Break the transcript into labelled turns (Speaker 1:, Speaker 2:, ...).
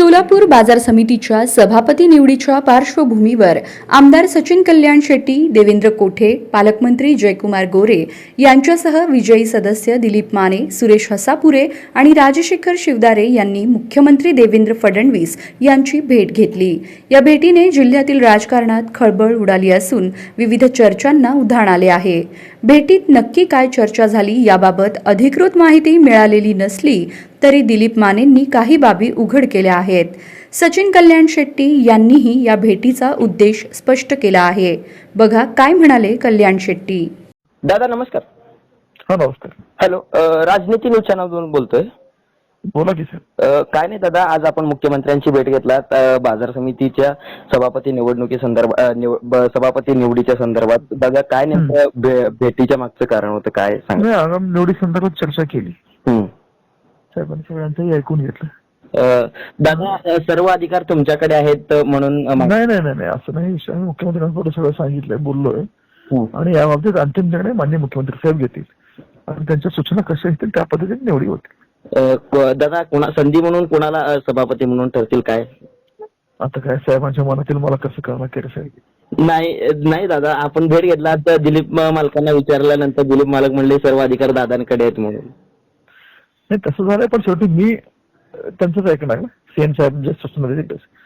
Speaker 1: सोलापूर बाजार समितीच्या सभापती निवडीच्या पार्श्वभूमीवर आमदार सचिन कल्याण शेट्टी, देवेंद्र कोठे, पालकमंत्री जयकुमार गोरे यांच्यासह विजयी सदस्य दिलीप माने, सुरेश हसापुरे आणि राजशेखर शिवदारे यांनी मुख्यमंत्री देवेंद्र फडणवीस यांची भेट घेतली। या भेटीने जिल्ह्यातील राजकारणात खळबळ उडाली असून विविध चर्चांना उधाण आले आहे। भेटीत नक्की काय चर्चा झाली याबाबत अधिकृत माहिती मिळालेली नसली तरी दिलीप मानेंनी काही बाबी उघड केल्या आहेत। सचिन कल्याण शेट्टी यांनीही या भेटीचा उद्देश स्पष्ट केला आहे। बघा काय म्हणाले कल्याण शेट्टी।
Speaker 2: दादा नमस्कार।
Speaker 3: हा नमस्कार।
Speaker 2: हॅलो, राजनीती न्यूज चॅनलवरून बोलतोय।
Speaker 3: बोला की सर।
Speaker 2: काय नाही दादा, आज आपण मुख्यमंत्र्यांची भेट घेतलात बाजार समितीच्या सभापती सभापती निवडीच्या संदर्भात। दादा काय नेमकं भेटीच्या मागचं कारण होतं, काय सांगा?
Speaker 3: आगामी निवडी संदर्भात चर्चा केली, साहेबांनी सगळ्यांचंही ऐकून घेतलं।
Speaker 2: दादा सर्व अधिकार तुमच्याकडे आहेत म्हणून
Speaker 3: नाही नाही नाही असं नाही। मुख्यमंत्र्यांकडे सगळं सांगितलंय, बोललोय आणि याबाबतीत अंतिम निर्णय माननीय मुख्यमंत्री साहेब घेतील आणि त्यांच्या सूचना कशा येतील त्या पद्धतीने निवडी होतील।
Speaker 2: दादा संधी म्हणून कोणाला सभापती म्हणून ठरतील काय?
Speaker 3: आता काय साहेबांच्या मनातील मला कसं कळणार केलं साहेब?
Speaker 2: नाही दादा, आपण भेट घेतला तर दिलीप मालकांना विचारल्यानंतर दिलीप मालक म्हणले सर्व अधिकार दादांकडे आहेत म्हणून।
Speaker 3: नाही तसं झालंय, पण शेवटी मी त्यांचंच ऐकणार ना। सीएम साहेब जे सूचना देतील